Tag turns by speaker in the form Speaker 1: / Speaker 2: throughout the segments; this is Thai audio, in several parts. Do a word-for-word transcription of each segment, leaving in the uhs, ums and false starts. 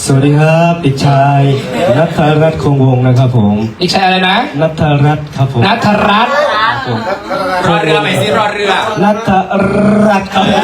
Speaker 1: สวัสดีครับเด็กชายณัฐรัตน์คงวงศ์นะครับผม
Speaker 2: เด็กชายอะไรนะ
Speaker 1: ณัฐรัตน์ครับผม
Speaker 2: นัทรัตน์
Speaker 1: ผม
Speaker 3: รอเรือไปสิรอเรือ
Speaker 1: ณัฐรัตน์ครับผม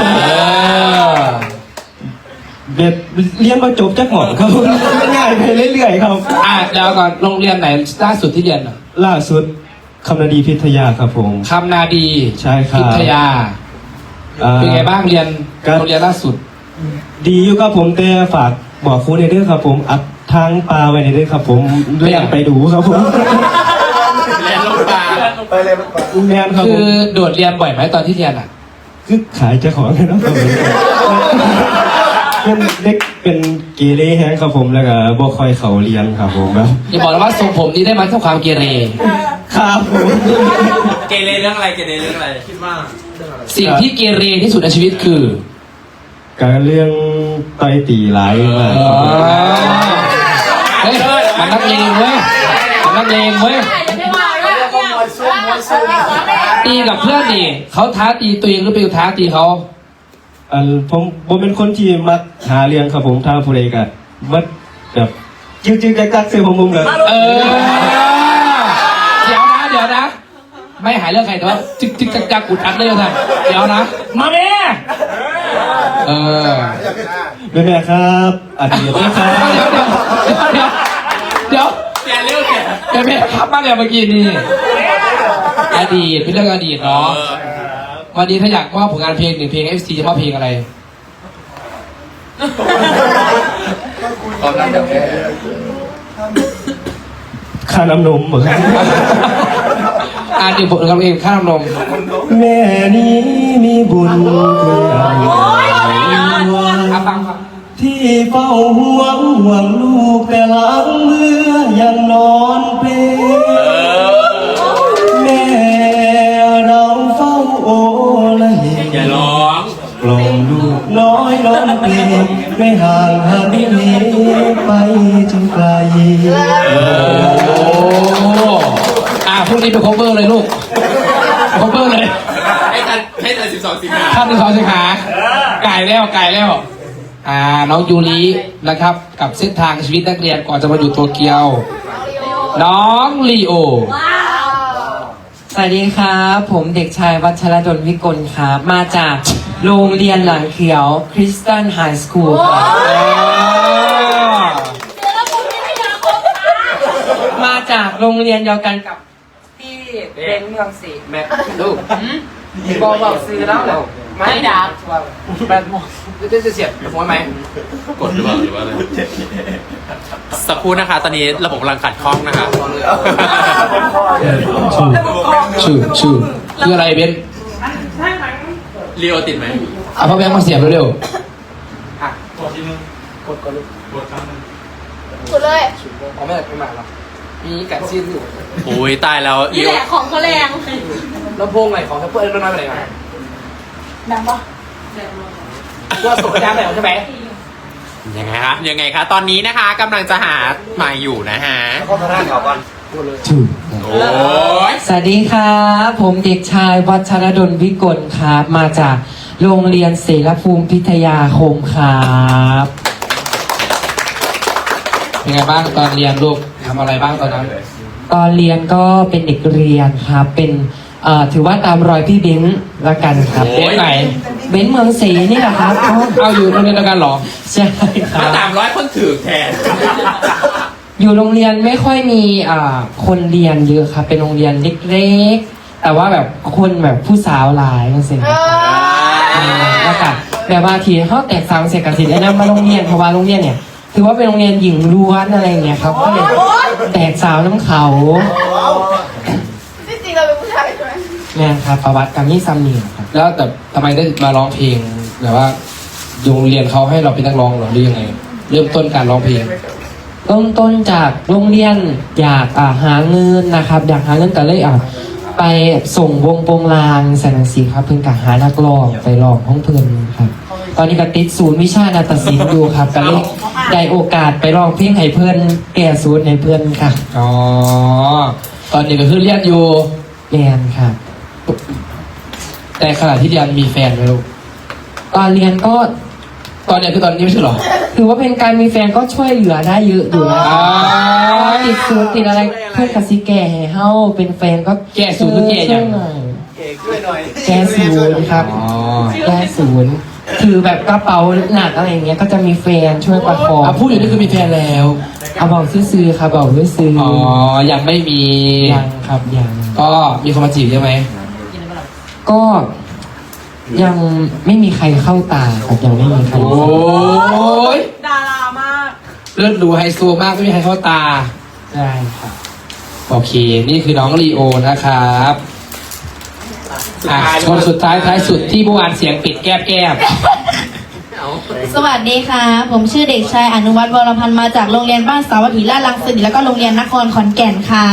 Speaker 1: เด็ดเรียนมาจบจักหมอนครับผมง่ายไปเรื่อยๆครับ
Speaker 2: อ่ะเดี๋ยวก่อนโรงเรียนไหนล่าสุดที่เรียนอ่ะ
Speaker 1: ล่าสุดคำนาดีพิทยาครับผม
Speaker 2: คำนาดี
Speaker 1: ใช่ครับ
Speaker 2: พิทยา
Speaker 1: อ่า
Speaker 2: เป็นไงบ้างเรียน
Speaker 1: ครับ
Speaker 2: โรงเรียนล่าสุด
Speaker 1: ดีอยู่ครับผมแต่ฝากบอกครูในเรื่องครับผมอัดทางปลาไว้ในเรื่องครับผมเรียนไปดูครับผม
Speaker 3: เรียนลงปลา
Speaker 4: ไปเลยมันไป
Speaker 1: แมนครับ
Speaker 2: คื
Speaker 1: ผ
Speaker 2: อ
Speaker 1: ม
Speaker 2: โดดเรียนบ่อยไหมตอนที่เรียนอ่ะ
Speaker 1: คือขายเจ้าของเลยเนาะครับผมเป็นเด็กเป็นเกเรแฮงครับผมแล้วก็บ่ค่อยเขาเรียนครับผมแบบ
Speaker 2: อย่าบอกนะว่าทรงผมนี้ได้มาจากความเกเร
Speaker 1: ครับผม
Speaker 3: เกเรเรื่องอะไรเกเรเรื่องอะไรคิดว่า
Speaker 2: สิ่งที่เกเรที่สุดในชีวิตคือ
Speaker 1: การเรื่องต่อยตีหลายมาก
Speaker 2: อ๋อเฮ้ยมันนักเลงเว้ยมันนักเลงเว้ยตีกับเพื่อนนี่เขาท้าตีตัวเองหรือไปท้าตีเขา
Speaker 1: อันผมผมเป็นคนที่มักหาเรื่องครับผมถ้าผู้ใดก็มักแบบจึ๊กๆกักๆเสื้อผมผมเลย
Speaker 2: เออเดี๋ยวนะเดี๋ยวนะ ไม่หายเรื่องใครแต่ว่าจิกจิกจักจักอุดอัดเลยท่านเดี๋ยวนะ มาแม่เออ
Speaker 1: แม่แม่ครับอดีตนะครับ
Speaker 2: เดี๋ยวเดี๋ยวเดี๋ยว
Speaker 3: แกเรื่องแก
Speaker 2: เดี๋ยวแม่ครับมาเนี่ยเมื่อกี้นี่อดีตเป็นเรื่องอดีตเนาะวันนี้ถ้าอยากมอบผลงานเพลงหนึ่งเพลง เอฟ ซี จะมอบเพลงอะไร
Speaker 3: ตอนนั้นเดี๋ยวแก
Speaker 1: ค่าน้ำนมเหมือนกัน
Speaker 2: อ่านหนึ่งผลงานเพลงข้ามนม
Speaker 1: แม่นี้มีบุญคุณใหญ่
Speaker 2: อ่ะฟังฟัง
Speaker 1: ที่เฝ้าห่วงห่วงลูกแต่หลังเมื่อยังนอนเปลแม่เราเฝ้าโอละเห
Speaker 3: อย่าร้อง
Speaker 1: กล่อมลูกน้อยนอนเปลไม่ห่างหันเหไปจนไกล
Speaker 2: โอ้อ่ะพรุ่งนี้ไป cover เลยลูก cover เลย
Speaker 3: ให้ทันให้ทันสิบสองสิงหา
Speaker 2: ท่านที่สองสิงหาไก่แล้วไก่แล้ว อ่า น้องยูรินะครับ กับเส้นทางชีวิตนักเรียนก่อนจะมาอยู่โตเกียว น้องลีโอ
Speaker 5: สวัสดีครับ ผมเด็กชายวัชรดลวิกลครับ มาจากโรงเรียนหลังเขียวคริสตันไฮสคูลครับมาจากโรงเรียนเดียวกันกับที่เป็นเมืองศรี
Speaker 2: แม่ลูก
Speaker 5: บอกบอกซื้อแล้วเหรอไม่ดัก
Speaker 2: แบบจะจะเสียบหัวไหม
Speaker 3: กดหรือเปล่าหรือว่าอะไรสักครู่นะคะ ตอนนี้ระบบกำลังขัดข้องนะคะ
Speaker 2: ชื่อชื่อคืออะไรเบน
Speaker 3: ลีโอติดไหม
Speaker 2: เอาพ่อแบงค์มาเสียบเร็ว
Speaker 6: สุดเลย
Speaker 2: ๆเอาไม่ได้ไม่มาหรอกมีกัดซีนอยู่
Speaker 3: โอ้ยตายแล้วลี
Speaker 6: นี่
Speaker 3: โอ
Speaker 6: แหละของเขาแรง
Speaker 2: ลำโพงไหนของทัพเปอร์มันน้อยไปไหนมา
Speaker 6: ดังปะ
Speaker 2: ว่าส่งสัญญาณแล้วใช่ไหม
Speaker 3: ยังไงคะยังไงคะตอนนี้นะคะกำลังจะหาใหม่อยู่นะฮะ
Speaker 1: ชื่อ
Speaker 3: โอ้ย
Speaker 5: สวัสดีครับ ผมเด็กชายวัชรดลวิกลครับ มาจากโรงเรียนเสรภูมิพิทยาคมครับ
Speaker 2: เป็นไงบ้างตอนเรียนลูกทำอะไรบ้างตอนนั้น
Speaker 5: ตอนเรียนก็เป็นเด็กเรียนครับ เป็นเอ่อถือว่าตามรอยพี่เบ้นละกันครับ
Speaker 2: เด็กไหน
Speaker 5: เบ้นเมืองศรีนี่แหละครับอ๋อ
Speaker 2: เอาอยู่โรงเรียนเดียวกันเหรอ
Speaker 5: ใช่ค
Speaker 3: มา
Speaker 5: รับ
Speaker 3: ตามร้อยคนถือแทน
Speaker 5: อยู่โรงเรียนไม่ค่อยมีอ่าคนเรียนเยอะครับ เป็นโรงเรียนเล็กๆ แต่ว่าแบบคนแบบผู้สาวหลายนั่นสิ
Speaker 6: เออ
Speaker 5: แล้วก็แบบว่าทีเขาแตกสาวเสกกสิทธิ์ได้นำมาโรงเรียนเพราะว่าโรงเรียนเนี่ยถือว่าเป็นโรงเรียนหญิงล้วนอะไรอย่างเงี้ยครับก็เลยแตกสาวน้ำเขา
Speaker 6: ที่จริงเราเป็นผู้ชายใช่ไหม
Speaker 5: แม่นครับประวัติกรรมนี่ซัมเนียครับ
Speaker 2: แล้วแต่ทำไมได้มาร้องเพลงแบบว่าโรงเรียนเขาให้เราเป็นนักร้องเหรอหรือยังไง เริ่มต้นการร้องเพลง
Speaker 5: เริ่มต้นจากโรงเรียนอยากอ่าหาเงินนะครับ อยากหาเงินก็เลยอ่ะไปส่งวงโปงลางแสนสีครับเพิ่งกะหานักร้องไปร้องห้องเพื่อนครับ ตอนนี้ก็ติดศูนย์วิชานาฏศิลป์อยู่ครับก็เลยได้โอกาสไปร้องเพลงให้เพื่อนแก่ศูนย์ให้เพื่อนค่ะ
Speaker 2: อ๋อ ตอนนี้ก็คือเรียนอยู่
Speaker 5: เรียนครับ
Speaker 2: แต่ขณะที่เรียนมีแฟนไหมลูก
Speaker 5: ตอนเรียนก็
Speaker 2: ตอนเนี้ยคือตอนนี้ไม่ใช่เหรอ
Speaker 5: ถือว่าเป็นการมีแฟนก็ช่วยเหลือได้เยอะอยู่นะ
Speaker 2: อ๋อ
Speaker 5: ติดศูนย์ติดอะไรเพื่อนกับซีแก่ให้เฮาเป็นแฟนก็
Speaker 2: แก้ศูนย์หรือแก้ยัง
Speaker 5: แก้ศูนย์ครับ
Speaker 2: อ๋อ
Speaker 5: แก้ศูนย์ถือแบบกระเป๋าหนักอะไรอย่างเงี้ยก็จะมีแฟนช่วยประคอง
Speaker 2: อ่ะพูดอยู่นี่คือมีแฟนแล้ว
Speaker 5: เอาบอกซื้อๆครับบอกซื้อๆ
Speaker 2: อ๋อ ยังไม่มี
Speaker 5: ยังครับยัง
Speaker 2: ก็มีคนมาจีบใช่ไหม
Speaker 5: ก็ยังไม่มีใครเข้าตาครับยังไม่มีใคร
Speaker 2: โอ้ย
Speaker 6: ดารามาก
Speaker 2: เลือดดูไฮโซมากไม่มีใครเข้าตา
Speaker 5: ใช่ครับ
Speaker 2: โอเค นี่คือน้องลีโอนะครับอ่ะคนสุดท้ายท้ายสุดที่เมื่อวานเสียงปิดแก้บแก้บ
Speaker 6: สวัสดีค่ะ ผมชื่อเด็กชายอนุวัฒน์วรพันธ์มาจากโรงเรียนบ้านสาวัตถีราชรังสิตแล้วก็โรงเรียนนครขอนแก่นค่ะ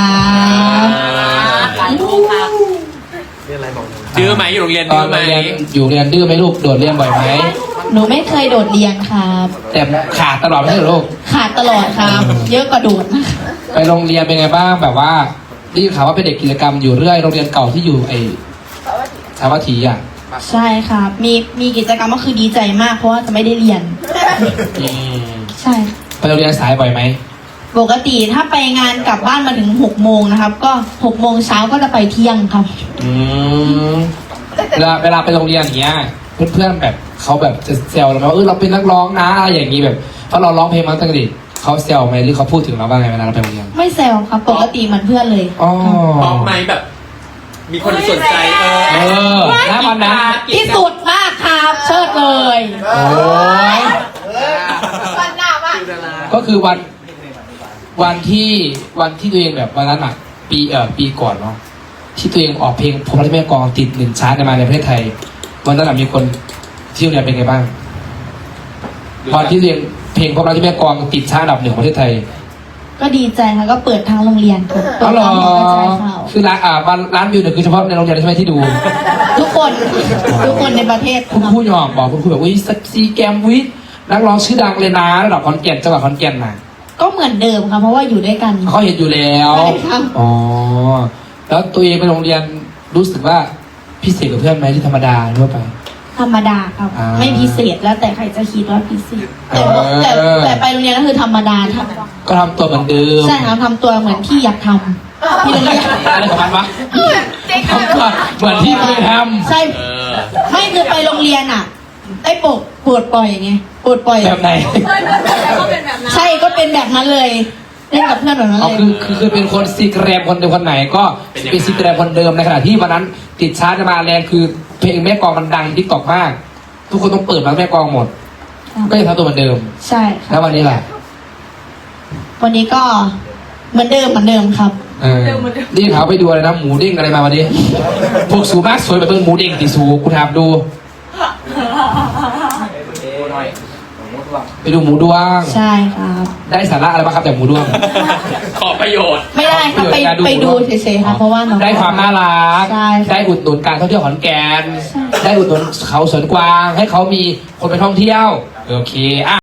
Speaker 3: ดื้อไหมอยู่โรงเรียน
Speaker 2: ตอ
Speaker 3: ดื้
Speaker 2: น
Speaker 3: อไหม
Speaker 2: เรียนอยู่เรียนดื้อไหมลูก โดดเรียนบ่อยไหม
Speaker 6: หนูไม่เคยโดดเรียนครับ
Speaker 2: แต่ขาดตลอดไม่ใช่เหรอลูก
Speaker 6: ขาดตลอดครับ เยอะกว่าโดดนะคะ
Speaker 2: ไปโรงเรียนเป็นไงบ้างแบบว่าได้ยินข่าวว่าเป็นเด็กกิจกรรมอยู่เรื่อยโรงเรียนเก่าที่อยู่ไอ้สาวัตถีอ่ะ
Speaker 6: ใช่ครับ มีมีกิจกรรมก็คือดีใจมากเพราะว่าจะไม่ได้เรียน
Speaker 2: อืม
Speaker 6: ใช่
Speaker 2: ไปโรงเรียนสายบ่อยไหม
Speaker 6: ปกติถ้าไปงานกลับบ้านมาถึงหกโมงนะครับ ก็หกโมงเช้าก็จะไปเที่ยงครับ
Speaker 2: อืมเวลาเวลาไปโรงเรียนอย่างเงี้ยเพื่อนๆแบบเขาแบบจะแซวเราไหมว่าเออเราเป็นนักร้องนะอะไรอย่างงี้แบบเพราะเราร้องเพลงมาตั้งแต่เด็กเขาแซวไหมหรือเขาพูดถึงเราบ้างไงเวลาเราไปโรงเรียน
Speaker 6: ไม่แซวครับ ปกติเหมือนเพื่อนเลย
Speaker 2: อ๋อ
Speaker 3: บอกไหมแบบ มีคนสนใจเอ
Speaker 2: เอ
Speaker 3: อ
Speaker 2: อณวันนั้น
Speaker 6: ที่สุดมากครับเชิดเลย
Speaker 2: โอ้ย
Speaker 6: วันหน้ามาก
Speaker 2: ก็คือวันวันที่วันที่ตัวเองแบบวันนั้นอ่ะปีเอ่อปีก่อนเนาะที่ตัวเองออกเพลงผมรักที่แม่กลองติดหนึ่งชาร์ตในมาในประเทศไทยวันนั้นอะมีคนที่โรงเรียนเป็นไงบ้างวันที่ตัวเองเพลงผมรักที่แม่กลองติดชาร์ตอันดับหนึ่งของประเทศไทย
Speaker 6: ก็ดีใจค่ะก็เปิดทางโรงเรียนค่ะเปิ
Speaker 2: อ๋อ
Speaker 6: ด
Speaker 2: เหรอ
Speaker 6: ทางกระจายข่าว
Speaker 2: คือร้านอ่าวันร้านวิวเนี่ยคือเฉพาะในโรงเรียนใช่ไหมที่ดู
Speaker 6: ทุกคนทุกคนในประเทศ
Speaker 2: คุณครูยอมบอกคุณครูแบบวิซีแกมวิทนักร้องชื่อดังเลยนะระดับขอนแก่นจังหวัดขอนแก่นน่ะ
Speaker 6: ก็เหมือนเดิมค่ะเพราะว่าอยู่ด้วยกัน
Speaker 2: เขาเห็นอยู่แล้ว
Speaker 6: ใช่ครับ
Speaker 2: อ๋อ แล้วตัวเองไปโรงเรียนรู้สึกว่าพิเศษกับเพื่อนไหมที่ธรรมดาทั่วไป
Speaker 6: ธรรมดาครับ
Speaker 2: อ่า
Speaker 6: ไม่พิเศษแล้วแต่ใครจะคิดว่าพิเศษแต่
Speaker 2: เออ
Speaker 6: แต่แต่ไปโรงเรียนก็คือธรรมดาครับ
Speaker 2: ก็ทำตัวเหมือนเดิม
Speaker 6: ใช่ครับทำตัวเหมือนที่อยากทำที่โรงเรียน
Speaker 2: อะไรของมันวะทำตัวเหมือนที่เคยท
Speaker 6: ใช่
Speaker 3: เออ
Speaker 6: ไม่คือไปโรงเรียนอ่ะ ได้ปลดปลดปล่อยไงปลดปล่อย
Speaker 2: ำแบบไหน
Speaker 6: ใช่ก็เป็นแบบนั้นเลยเล่นกับเพื่อนแบบนั้น
Speaker 2: เอา
Speaker 6: เลย
Speaker 2: คือคือคือเป็นคนซีแกรมคนเดิมคนไหนก็เป็นซีแกรมคนเดิมในขณะที่วันนั้นติดชาร์จมาแรงคือเพลงแม่กลองมันดังทิกตอกมาก ทุกคนต้องเปิดมาแม่กลองหมด ก็ยังทำตัวเหมือนเดิม
Speaker 6: ใช่ค
Speaker 2: แล้
Speaker 6: รั
Speaker 2: ว
Speaker 6: บ
Speaker 2: วันนี้ล่ะ
Speaker 6: วันนี้ก็เหมือนเดิมเหมือนเดิมครับ
Speaker 2: เออนี่เขาไปดูอะไรนะหมูเด้งอะไรมาวันนี้ พวกสูมากสวยแบบเป็นหมูเด้งติสูกูถามดู ไปดูหมูด้วง
Speaker 6: ใช่ครับ
Speaker 2: ได้สาระอะไรบ้างครับจากหมูด้วง
Speaker 3: ขอประโยชน์
Speaker 6: ไม่ได้ครับไป
Speaker 2: การดู
Speaker 6: ไปดูเฉยๆค่ะเพราะว่าน้อง
Speaker 2: ได้ความน่ารัก
Speaker 6: ใช่ค่ะ
Speaker 2: ได้อุดหนุนการท่องเที่ยวขอนแก่น
Speaker 6: ใช่
Speaker 2: ได้อุดหนุนเขาสวนกวาง ให้เขามีคนไปท่องเที่ยว โอเคอ่ะ